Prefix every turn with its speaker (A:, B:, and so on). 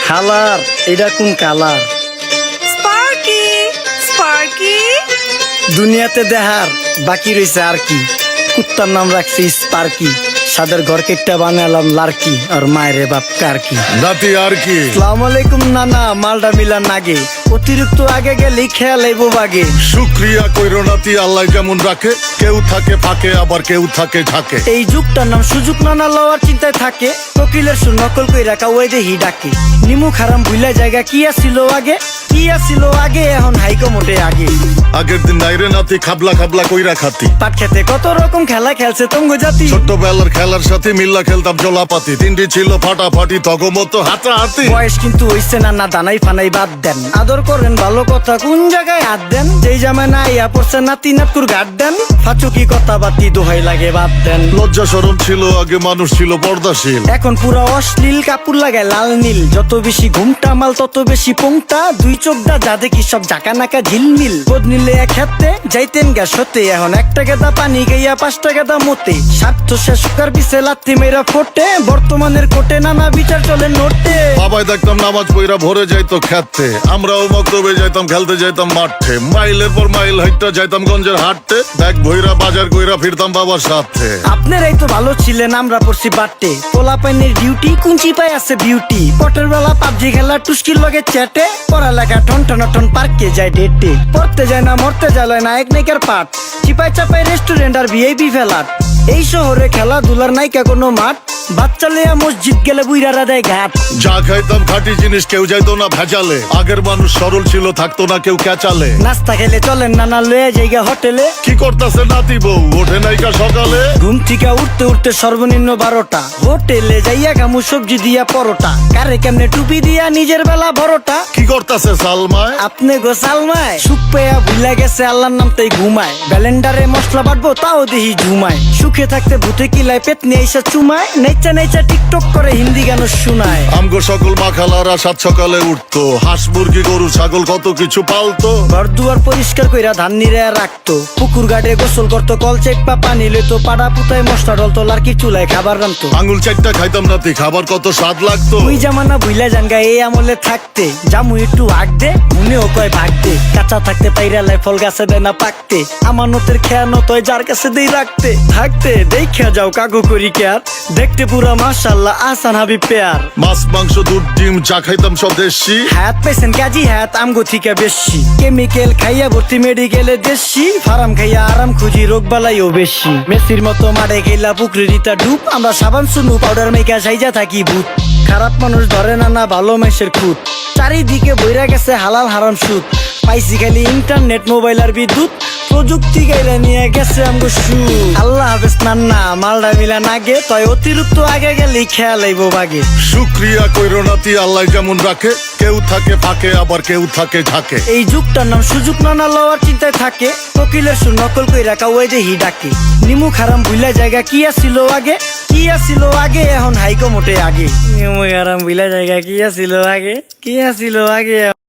A: খালার এটা কোন কালার?
B: স্পার্কি স্পার্কি
A: দুনিয়াতে দেখার বাকি রয়েছে আর কি। কুত্তার নাম রাখছি স্পার্কি, সাদের ঘর কেটটা বানালাম লার্কি, আর মায়ের বাপ কারকি।
C: নাতি আর কি?
A: আসসালামু আলাইকুম নানা, মালডা মিলা নাগে, অতিরিক্ত আগে গেলে খেয়াল আইবো বাগে।
C: শুক্রিয়া কইরো নাতি, আল্লাহ যেমন রাখে, কেউ থাকে ফাঁকে আবার কেউ থাকে ঝাঁকে।
A: এই যুগটার নাম সুযোগ নানা লওয়ার চিন্তায় থাকে, কোকিলের সুর নকল কই রাখা ওই দেহি ডাকে। নিমু খারাম ভুলা জায়গা কি আসিল আগে, কি আসিল আগে, এখন হাইকো মোটে আগে।
C: আগের দিন নাইরে নাতি খাবলা খাবলা কইরা খাতি,
A: পাট খেতে কত রকম খেলা খেলছে তঙ্গ জাতি।
C: ছোট্টবেলার খেলার সাথে মিল্লা খেলতাম জলাপাতি, তিনটি ছিল ফাটাফাটি তগমতো হাতাহাতি।
A: বয়স কিন্তু হইছে না দানাই ফানাই বাদ দেন, আদর করেন ভালো কথা কোন জায়গায় হাত দেন। যেই জামায় না ইয়া পড়ছে নাতি নাতকুর গাট দেন, ফাচুকি কথা বাতি দোহাই লাগে বাদ দেন।
C: লজ্জা শরম ছিল আগে, মানুষ ছিল পর্দাশীল,
A: এখন পুরো অশ্লীল কাপড় লাগায় লাল নীল। যত বেশি ঘুমটা মাল তত বেশি পোংটা, দুই চোখটা যা দেখি সব জাকা নাকা ঝিলমিল। বোধ নিলে এক হাতে যাইতেন গ্যাস হতে, এখন একটা গেদা পানি গাইয়া 5টা গেদা মতে। স্বার্থ শেষ কার পিছে লাত্তি মেয়েরা ফোটে, বর্তমানের কোটে নানা বিচার চলে নোটে।
C: বাবাই দেখতাম নামাজ পইরা ভরে যাইতো খেতে, আমরাও মক্তবে যাইতাম খেলতে যাইতাম মাঠে। মাইলের পর মাইল হাইটটা যাইতাম গঞ্জের হাটতে, ব্যাগ ভইরা বাজার কইরা ফিরতাম বাবার সাথে।
A: আপনারাই তো ভালো ছিলেন, আমরা পড়ছি বাটে। পোলা পাইনের ডিউটি কুঞ্চি পাই আছে বিউটি, পটের বেলা পাবজি খেলা টুস্কির লগে চ্যাটে। পড়ালেখা টন টন টন পার্কে যায় ডেটে, পড়তে যায় না মরতে যায় নায়ক নায়িকার পাঠ। চিপাই চাপাই রেস্টুরেন্ট আর ভিআইপি ফেলাট, এই শহরে খেলাধুলার নায়িকা কোনো মাঠ। বাচ্চা লেয়া মসজিদ গেলে বুইরারা দেয় ঘাট।
C: যা খাইতাম খাঁটি জিনিস, কেউ যাইতো না ভেজালে। আগের মানুষ সরল ছিল, থাকতো না কেউ ক্যাচালে।
A: নাস্তা খেলে চলেন নানা লয়ে জায়গা হোটেলে।
C: কি করতাছে নাতি বউ, ওঠে নাইকা সকালে?
A: ঘুম থেকে উঠতে উঠতে সর্বনিম্ন 12টা, হোটেলে যাইয়া গামু সবজি দিয়া পরোটা। কারে কেমনে টুপি দিয়া নিজের বেলা বড়টা।
C: কি করতাছে সালমায়?
A: আপনি গোসালমায় সুখ পেয়া ভুলে গেছে আল্লাহর নাম তাই ঘুমায়। ব্যালেন্ডারে মশলা বাটবো তাও দেহি ঝুমায়। সুখে থাকতে ভূতে কিলায় পেট নিয়ে এসে চুমায়। নেচা নেচা টিকটক করে হিন্দি গান শুনায়।
C: আমগো সকল মাখালারা সাত সকালে উঠতো, হাঁস মুরগি গরু ছাগল কত কিছু পালতো।
A: ঘর দুয়ার পরিষ্কার কইরা ধান নিরে রাখতো, পুকুর গাড়ে গোসল করতো, কল চেপা পানি লইতো। পাড়া পুতায় মশলা ডলতো, লার্কি চুলায় খাবার রান্তো।
C: আঙুল চারটা খাইতাম নাতি, খাবার কত স্বাদ লাগতো।
A: ওই জামানা ভুইলা জানগা এই আমলে থাকতে, জামু একটু আগ দে মনেও কয় ভাগ দে। কাঁচা থাকতে পাইরালায় ফল গাছে দেয় না পাকতে, আমানতের খেয়ানো তয় যার কাছে দেই রাখতে। থাকতে দেখা যাও কাগু করি কেয়ার, দেখতে পুরা মাশাআল্লাহ আসান হাবিব পেয়ার।
C: মাছ মাংস দুধ ডিম চা খাইতাম সব দেশি,
A: হাত পেছেন কাজী হাত আমগো থিকা বেশি। কেমিক্যাল খাইয়া ভর্তি মেডিকেলে দেশি, ফার্ম খাইয়া আরাম খুঁজি রোগ বালাইও বেশি। মেসির মতো মাঠে গেলা পুকুরে দিতা ডুব, আমরা সাবান সুনু পাউডার মেকা সাইজা থাকি ভূত। খারাপ মানুষ ধরে না ভালো মেসের খুঁত, চারিদিকে বইরা গেছে হালাল হারাম সুদ। পাইছি খালি ইন্টারনেট মোবাইল আর বিদ্যুৎ, প্রযুক্তি গাইলা নিয়ে গেছে আমগো সু। আল্লাহ হাফেজ নান্না, মালডা মিলা নাগে, তয় অতিরিক্ত আগে গেলেই খেয়াল আইবো বাগে।
C: শুক্রিয়া কইরো নাতি, আল্লাহ যেমন রাখে, কেউ থাকে ফাঁকে আবার কেউ থাকে ঝাঁকে।
A: এই যুগটার নাম সুযোগ নানা লওয়ার চিন্তায় থাকে, কোকিলের সুর নকল কই রাখা ওই দেহি ডাকে। নিমু খারাম ভুলা জায়গা কি আসিল আগে, কি আসিল আগে, এখন হাইকো মোটে আগে। নিমু খারাম ভুলা জায়গা কি আসিল আগে, কি আসিল আগে।